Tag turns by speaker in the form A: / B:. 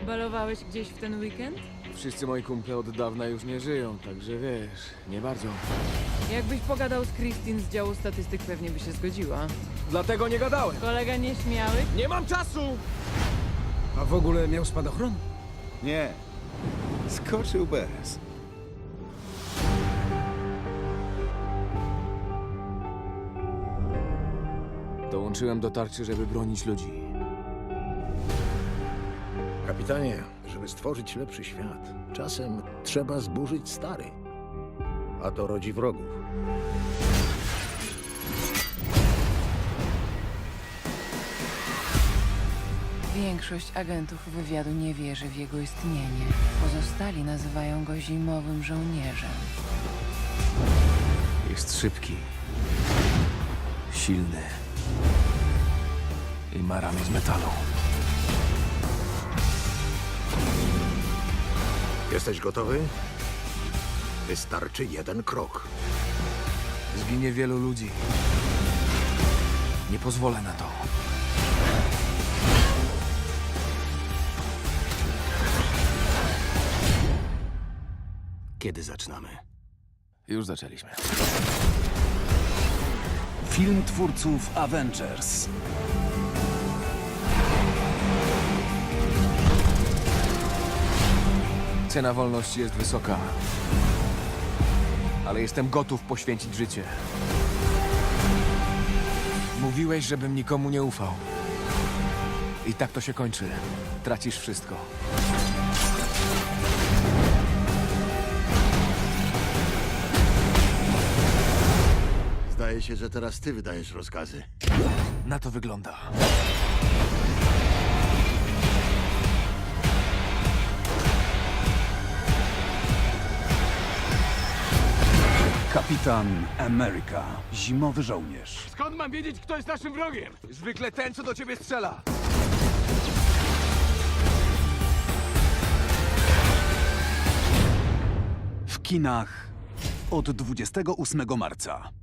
A: Balowałeś gdzieś w ten weekend?
B: Wszyscy moi kumple od dawna już nie żyją, także wiesz, nie bardzo.
A: Jakbyś pogadał z Christine z działu statystyk, pewnie by się zgodziła.
B: Dlatego nie gadałem.
A: Kolega nieśmiały?
B: Nie mam czasu!
C: A w ogóle miał spadochron?
D: Nie. Skoczył bez.
B: Dołączyłem do tarczy, żeby bronić ludzi.
E: Kapitanie, żeby stworzyć lepszy świat, czasem trzeba zburzyć stary. A to rodzi wrogów.
A: Większość agentów wywiadu nie wierzy w jego istnienie. Pozostali nazywają go zimowym żołnierzem.
B: Jest szybki, silny i ma ramię z metalu.
E: Jesteś gotowy? Wystarczy jeden krok.
B: Zginie wielu ludzi. Nie pozwolę na to.
E: Kiedy zaczynamy?
B: Już zaczęliśmy.
C: Film twórców Avengers.
B: Cena wolności jest wysoka. Ale jestem gotów poświęcić życie. Mówiłeś, żebym nikomu nie ufał. I tak to się kończy. Tracisz wszystko.
D: Zdaje się, że teraz ty wydajesz rozkazy.
B: Na to wygląda.
C: Kapitan Ameryka. Zimowy żołnierz.
B: Skąd mam wiedzieć, kto jest naszym wrogiem? Zwykle ten, co do ciebie strzela.
C: W kinach od 28 marca.